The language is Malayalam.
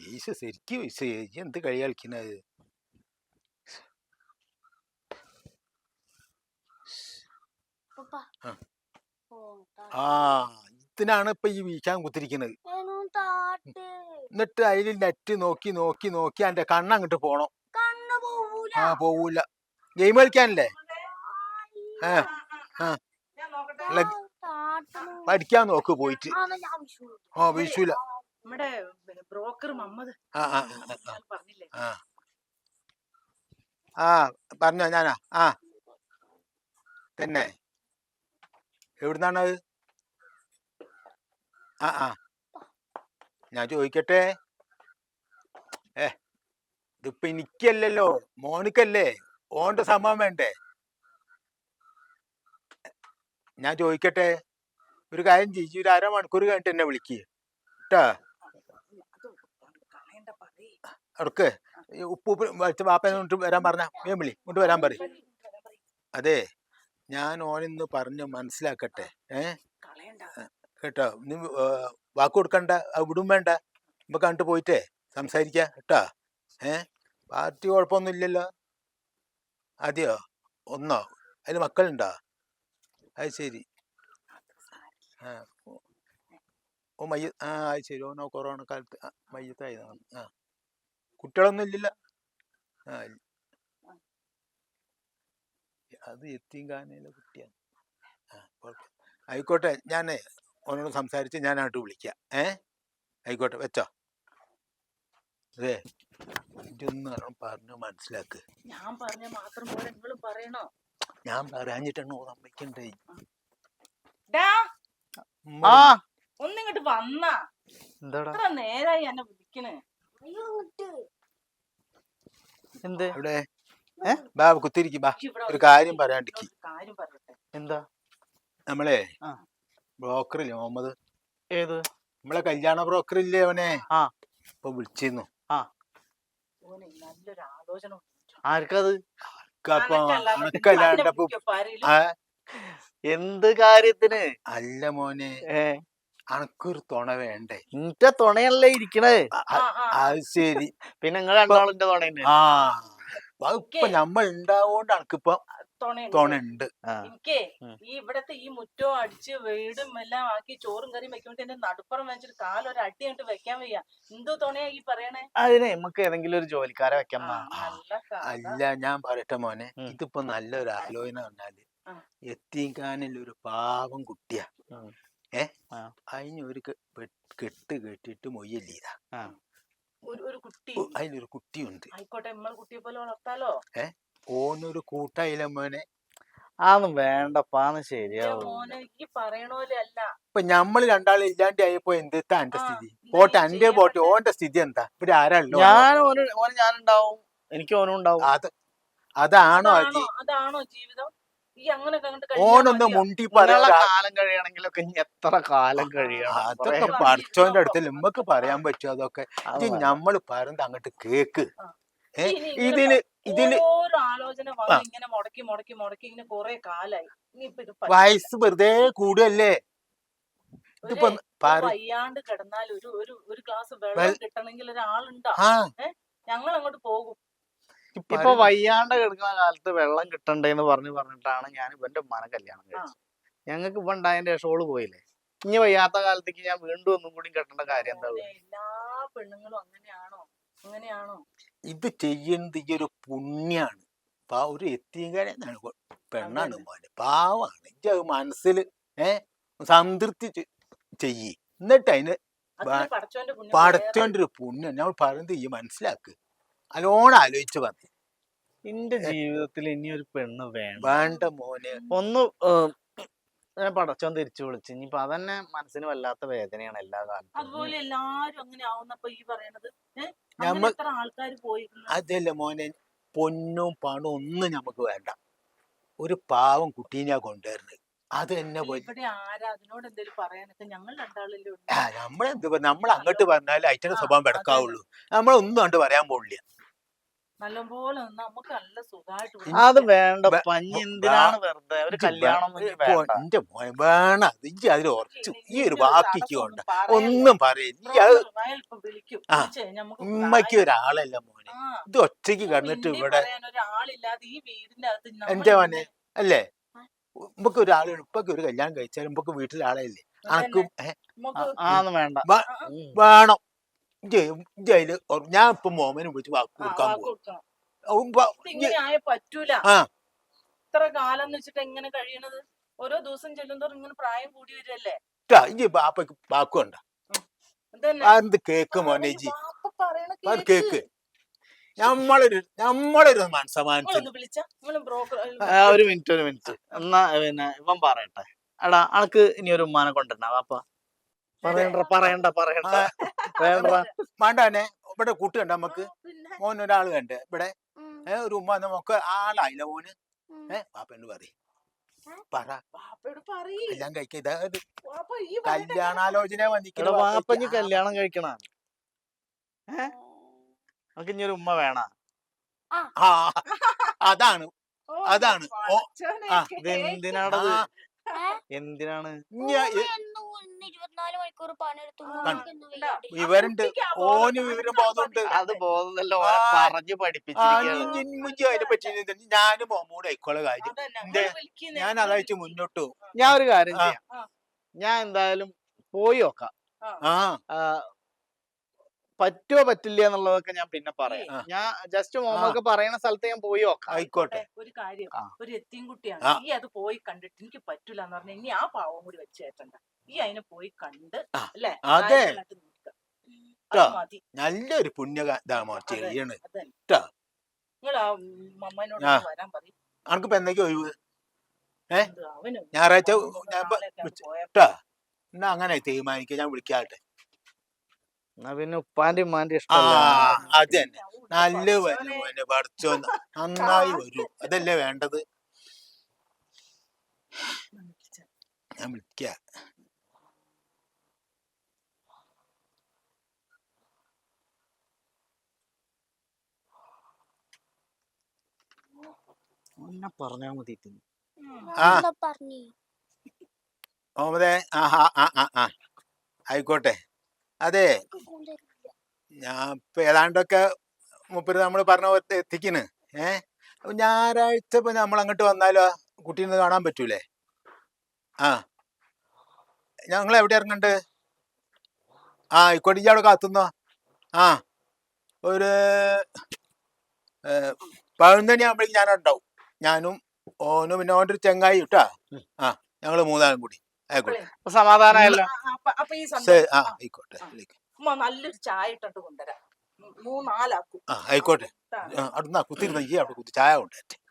വീശ് ശരിക്കും വീശ് എന്ത് കളി കളിക്കുന്നത് ആ ഇതിനാണ് ഇപ്പൊ ഈ വീശാൻ കുത്തിരിക്കുന്നത് എന്നിട്ട് അതിൽ നെറ്റ് നോക്കി നോക്കി നോക്കി എന്റെ കണ്ണങ്ങോട്ട് പോണം ആ പോവൂല ഗെയിം കളിക്കാനല്ലേ ആ ആ പഠിക്കാൻ നോക്ക് പോയിട്ട് ആ വീശൂല നമ്മുടെ ബ്രോക്കർ മുഹമ്മദ് പറഞ്ഞില്ലേ ആ പറഞ്ഞോ ഞാനാ ആ തന്നെ എവിടുന്നാണത് ആ ആ ഞാൻ ചോദിക്കട്ടെ ഇതിപ്പോ എനിക്കല്ലല്ലോ മോനിക്കല്ലേ ഓന്റെ സമ്മതം വേണ്ടേ ഞാൻ ചോദിക്കട്ടെ ഒരു കാര്യം ചെയ്യ് ഒരു അരമണിക്കൂർ കഴിഞ്ഞിട്ട് എന്നെ വിളിക്കുക കേട്ടാ അവർക്ക് ഉപ്പ് വെച്ച് വാപ്പ വരാൻ പറഞ്ഞ വേം വിളി ഇങ്ങോട്ട് വരാൻ പറയും അതെ ഞാൻ ഓനിന്ന് പറഞ്ഞ് മനസ്സിലാക്കട്ടെ കേട്ടോ നീ വാക്ക് കൊടുക്കണ്ട വിടും വേണ്ട ഇപ്പൊ കണ്ടിട്ട് പോയിട്ടേ സംസാരിക്ക കേട്ടാ പാർട്ടി കുഴപ്പമൊന്നും ഇല്ലല്ലോ അതെയോ ഒന്നോ അതിന് മക്കളുണ്ടോ അത് ശരി ഓ മയ്യ അത് ശരി ഓനോ കൊറോണ കാലത്ത് മയ്യത്തായതാണ് കുട്ടികളൊന്നും ഇല്ലല്ലോ അത് എത്തിങ്കാനയിലെ കുട്ടിയാണ് ആയിക്കോട്ടെ ഞാൻ ഓനോട് സംസാരിച്ച് ഞാനായിട്ട് വിളിക്കാം ആയിക്കോട്ടെ വെച്ചോ അതെ ഇതൊന്ന് പറഞ്ഞു മനസ്സിലാക്ക് ഞാൻ പറഞ്ഞ മാത്രം പോലെ നിങ്ങളും പറയണോ ഞാൻ പറയാഞ്ഞിട്ടാണ് സമ്മതിക്കണ്ടേ ഒന്നിങ്ങോട്ട് വന്നാ എത്ര നേരായി എന്നെ വിളിക്കണേ എന്ത് അവിടെ ബാ കുത്തിരിക്കും ബാ ഒരു കാര്യം പറയാണ്ടിക്ക് എന്താ നമ്മളെ ബ്രോക്കറില്ലേ മുഹമ്മദ് ഏത് നമ്മളെ കല്യാണ ബ്രോക്കർ ഇല്ലേ അവനെ ഇപ്പൊ വിളിച്ചിരുന്നു നല്ലൊരു ആലോചന ആർക്കത് എന്ത് കാര്യത്തിന് അല്ല മോനെ അനക്കൊരു തുണ വേണ്ടേ എന്റെ തുണയല്ലേ ഇരിക്കണേ അത് ശരി പിന്നെ നിങ്ങൾ രണ്ടാളിന്റെ തുണ ഇപ്പൊ നമ്മൾ ഉണ്ടാവോണ്ട് അനക്കിപ്പൊ തുണയുണ്ട് എനിക്ക് ഈ ഇവിടത്തെ ഈ മുറ്റവും അടിച്ച് വീടും എല്ലാം ആക്കി ചോറും കറിയും വെക്കുമ്പോ എന്റെ നടുപ്പുറം വെച്ചിട്ട് കാലൊരു അടി കണ്ടിട്ട് വെക്കാൻ വയ്യ എന്തോ തുണയാ ഈ പറയണേ അതിനെ നമുക്ക് ഏതെങ്കിലും ഒരു ജോലിക്കാരെ വെക്കാം അല്ല ഞാൻ പറയട്ടെ മോനെ ഇതിപ്പോ നല്ലൊരു ആലോചന പറഞ്ഞാല് എത്തിക്കാനിൽ ഒരു പാവം കുട്ടിയാ അതിനൊരു കെട്ട് കെട്ടിട്ട് മൊയ്യല്ലീതാ അതിലൊരു കുട്ടിയുണ്ട് ആയിക്കോട്ടെ നമ്മൾ കുട്ടിയെ പോലെ വളർത്താലോ ഓനൊരു കൂട്ടായില്ല മോനെ അതൊന്നും വേണ്ടപ്പാന്ന് ശരിയാവും ഇപ്പൊ ഞമ്മള് രണ്ടാളും ഇല്ലാണ്ട് ആയപ്പോ എന്താ എന്റെ സ്ഥിതി പോട്ടെ എന്റെ പോട്ടെ ഓന്റെ സ്ഥിതി എന്താ ഇവിടെ ആരാണല്ലോ ഞാനുണ്ടാവും എനിക്ക് ഓനും ഉണ്ടാവും അതാണോ ജീവിതം ഓനൊന്ന് മുണ്ടി കാലം കഴിയണമെങ്കിലൊക്കെ എത്ര കാലം കഴിയണം അതൊക്കെ പഠിച്ചോന്റെ അടുത്ത് നമ്മക്ക് പറയാൻ പറ്റും അതൊക്കെ ഇത് ഞമ്മള് പറയുന്നത് അങ്ങോട്ട് കേക്ക് ആലോചന ഇങ്ങനെ മുടക്കി മുടക്കി മുടക്കി ഇങ്ങനെ കൊറേ കാലായി വയസ്സ് വെറുതെ കൂടുകയല്ലേ ഇതിപ്പോ വയ്യാണ്ട് കിടന്നാൽ ഒരു ഗ്ലാസ് വെള്ളം കിട്ടണമെങ്കിൽ ഒരാളുണ്ടോ ഞങ്ങൾ അങ്ങോട്ട് പോകും ഇപ്പൊ വയ്യാണ്ട് കിടക്കുന്ന കാലത്ത് വെള്ളം കിട്ടണ്ടേന്ന് പറഞ്ഞിട്ടാണ് ഞാൻ ഇവന്റെ ഉമ്മാനെ കല്യാണം കഴിച്ചത് ഞങ്ങൾക്ക് ഇപ്പൊ ഉണ്ടായതിന്റെ ശേഷം പോയില്ലേ ഇനി വയ്യാത്ത കാലത്തേക്ക് ഞാൻ വീണ്ടും ഒന്നും കൂടി കെട്ടേണ്ട കാര്യം എന്താ എല്ലാ പെണ്ണുങ്ങളും അങ്ങനെയാണോ ഇത് ചെയ്യുന്നത് ഈ ഒരു പുണ്യാണ് ഒരു എത്തിയകാരെന്നാണ് പെണ്ണാണ് മോനെ പാവാണ് ഇത് മനസ്സിൽ സംതൃപ്തി ചെയ്യ് എന്നിട്ട് അതിന് പടച്ചോന്റെ ഒരു പുണ്യം ഞാൻ പറയുന്നത് ഈ മനസ്സിലാക്ക് നല്ലോണം ആലോചിച്ച് പറഞ്ഞു എന്റെ ജീവിതത്തിൽ ഇനി ഒരു പെണ്ണ് വേണ്ട മോനെ ഒന്ന് പടച്ചോൻ തിരിച്ചു വിളിച്ചു ഇനിയിപ്പൊ അതന്നെ മനസ്സിന് വല്ലാത്ത വേദനയാണ് എല്ലാ കാലത്തും അതുപോലെ എല്ലാരും അങ്ങനെ ആവുന്നപ്പോ ഈ പറയണത് അതല്ല മോനെ പൊന്നും പണവും ഒന്നും നമുക്ക് വേണ്ട ഒരു പാവം കുട്ടീനെയാ കൊണ്ടുവരുന്നത് അത് തന്നെ നമ്മളെന്ത് നമ്മൾ അങ്ങോട്ട് പറഞ്ഞാൽ അയച്ചന്റെ സ്വഭാവം കിടക്കാവുള്ളൂ നമ്മളൊന്നും കണ്ട് പറയാൻ പോകില്ല നല്ലപോലെ നിന്ന് നമുക്ക് നല്ല സുഖമായിട്ട് ഇവിടെ അത് ഇരിക്കാം. വേണ്ട വേ- പഞ്ഞി വേ- എന്തിനാണ് വെറുതെ ഒരു ഇജ്ജ് കല്യാണം ഒന്നും ഇനി വേണ്ട. എന്റെ മോനെ വേണം ഇജ്ജ് അതിൽ ഉറച്ചു ഇനി ഈ ഒരു ഇതിന്റെ വാക്കിക്ക് തടസ്സം കൊണ്ട് ഒന്നും പറയല്ലേ. ഒന്നും പറയില്ല ഈ അത് ബ്രോക്കർ അയാൾ ഇപ്പൊ വിളിക്കും. ആ. വിളിച്ച് കഴിഞ്ഞാ നമുക്ക് ഉമ്മയ്ക്ക് കാര്യം- ഒരാളല്ല മോനെ ആ. ഇത് ഒറ്റയ്ക്ക് കിടന്നിട്ട് പിന്നെയും ഇവിടെ പറയാൻ ഒരാളില്ലാതെ ഈ വീടിന്റെ അകത്ത് നമ്മൾ എന്റെ മോനെ ഇങ്ങനെ- അല്ലേ ആ. നമുക്ക് ഒരാൾ ഇപ്പൊക്കെ ഒരു കല്യാണം കഴിച്ചാലും നമുക്ക് വീട്ടിൽ ആളല്ലേ അനക്കും നമുക്ക് ആന്ന് വേണ്ട. വ- ആ, ആ, ഉം. വേണം ഇജ്ജ് അതില് ഞാൻ ഇപ്പൊ മോമനെ വിളിച്ച് വാക്ക് ആ, കൊടുക്കാൻ വാക്ക് പോകും കൊടുക്കണം. ഇതിങ്ങനെ ആയ പറ്റൂല. ആ. ഇത്ര കാലം എന്ന് വെച്ചിട്ട് എങ്ങനെ കഴിയണത്? ഓരോ ദിവസം ചെല്ലുന്തോറും ഇങ്ങനെ പ്രായം കൂടി വരല്ലേ? ഇജ്ജ് ബാപ്പക്ക് വാക്കുണ്ട അതന്നെ. എന്ത് കേക്ക് മോനെ ജി വാപ്പ പറയണ അത് കേക്ക്. കേക്ക് നമ്മളൊരു മനസ്സമാനത്തിന് നിങ്ങളൊന്ന് വിളിച്ച നിങ്ങള് ബ്രോക്കർ ഒരു മിനിറ്റ് എന്നാ പിന്നെ ഇവൻ പറയട്ടെ. എടാ അനക്ക് ഇനി ഒരു ഉമ്മാനെ കൊണ്ടുവരണ വാപ്പ. പറയണ്ട വേണ്ട. വേണ്ടനെ ഇവിടെ കൂട്ടുകണ്ട നമുക്ക് പിന്നെ മോൻ ഒരാൾ കണ്ട് ഇവിടെ ഒരു ഉമ്മ നമുക്ക് ആളായില്ല മോന് പാപ്പനോട് പറയും പറ വാപ്പയോട് പറയ്. എല്ലാം കഴിക്ക ഇതായത് വാപ്പ ഈ പറയുന്ന കല്യാണാലോചന എടാ വന്നിട്ട് വാപ്പ ഇനി കല്യാണം കഴിക്കണ നമുക്ക് ഇനി ഒരു ഉമ്മ വേണ. ആ അതാണ് ഓ, അതാണ് ഓ പടച്ചോനെ, ആ, ഇത് എന്തിനാണത്? ആ, എന്തിനാണ്? എന്നും 24 മണിക്കൂർ പണിയെടുത്തു ഉണ്ടോ? വിവരണ്ട് കുട്ടിക്ക് ആ ബോധം ഓന് വിവരം ബോധമുണ്ട് അത് ബോധമല്ല ആ. പറഞ്ഞു പഠിപ്പിച്ചിരിക്കുകയാണ്. അതിനെ പറ്റി ഞാനും മോമൂടെ ആയിക്കോളെ കാര്യം അതന്നെ, എന്തേ? നിങ്ങള് വിളിക്കുന്നേ, ഞാൻ നിങ്ങള് അതായിട്ട് വിളിക്ക്. മുന്നോട്ട് പോകും ഞാൻ ഒരു കാര്യം ആ. ചെയ്യാം. ആ. ഞാൻ എന്തായാലും പോയി നോക്കാം. ആ ആ, പറ്റുമോ പറ്റില്ല എന്നുള്ളതൊക്കെ ഞാൻ പിന്നെ പറയാം. ആ. ഞാൻ ജസ്റ്റ് മോമൊക്കെ പറയുന്ന സ്ഥലത്ത് ഞാൻ പോയി നോക്കാം. ആയിക്കോട്ടെ ഒരു കാര്യം, ആ. ഒരു എത്തിയും കുട്ടിയാണ്. ആ. ഈ അത് പോയി കണ്ടിട്ട് എനിക്ക് പറ്റൂല എന്ന് പറഞ്ഞ ഇനി ആ പാവം കൂടി വെച്ച് കയറ്റണ്ട. ഈ അതിനെ പോയി കണ്ട് ആ. അല്ലേ അതെ. കാര്യങ്ങളായിട്ട് നോക്കുക. അത് ട്ടോ. മതി. നല്ലൊരു പുണ്യതാമോ ചെയ്യണ് അതന്നെ. ട്ടോ. നിങ്ങൾ ആ മമ്മനോട് ആ. വരാൻ പറയും. അനക്കിപ്പോ എന്തൊക്കെ ഒഴിവ് അവനും ഞായറാഴ്ച ഞാൻ നാളെയൊക്കെ അങ്ങ് പോയാ ട്ടാ എന്നാ അങ്ങനെ തീരുമാനിക്കുക ഞാൻ വിളിക്കാട്ടെ എന്നാ പിന്നെ ഉപ്പാന്റെ ഉമ്മാന്റെ ആ ഇഷ്ടമല്ല. അത് തന്നെ നല്ല പഠിച്ചോനെ. വരും പഠിച്ചോ നന്നായി വരും അതല്ലേ വേണ്ടത് ഞാൻ വിളിക്ക എന്നെ പറഞ്ഞാ മതി. ആ പറഞ്ഞു ഓമതേ ആ ആ ആ ആ ആ ആയിക്കോട്ടെ അതെ ഞാൻ ഇപ്പൊ ഏതാണ്ടൊക്കെ മുപ്പര് നമ്മൾ പറഞ്ഞ പോലെ എത്തിക്കണ് അപ്പൊ ഞായറാഴ്ച ഇപ്പൊ നമ്മൾ അങ്ങോട്ട് വന്നാലോ കുട്ടീനെ കാണാൻ പറ്റൂലേ ആ ഞങ്ങൾ എവിടെ ഇറങ്ങണ്ട് ആ ആയിക്കോട്ടെ ഇജ്ജ് അവിടെ കാത്തുന്നോ ആ ഒരു 11 ആകുമ്പോഴേക്കും ഞാനുണ്ടാവും ഞാനും ഓനും പിന്നെ ഓൻ്റെ ഒരു ചെങ്ങായി ഇട്ടാ ആ ഞങ്ങള് മൂന്നാളും കൂടി ആയിക്കോട്ടെ സമാധാനമായല്ലോ. അപ്പൊ ഈ ആ സന്തോഷം ആയിക്കോട്ടെ ഉമ്മ നല്ലൊരു ചായ ഇട്ടിട്ട് കൊണ്ടുവരാം. 3-4 ആക്കും. ആ ആയിക്കോട്ടെ അടുന്നാ കുത്തിരുന്ന ഈ അവിടെ കുത്തി ചായ കൊണ്ടേ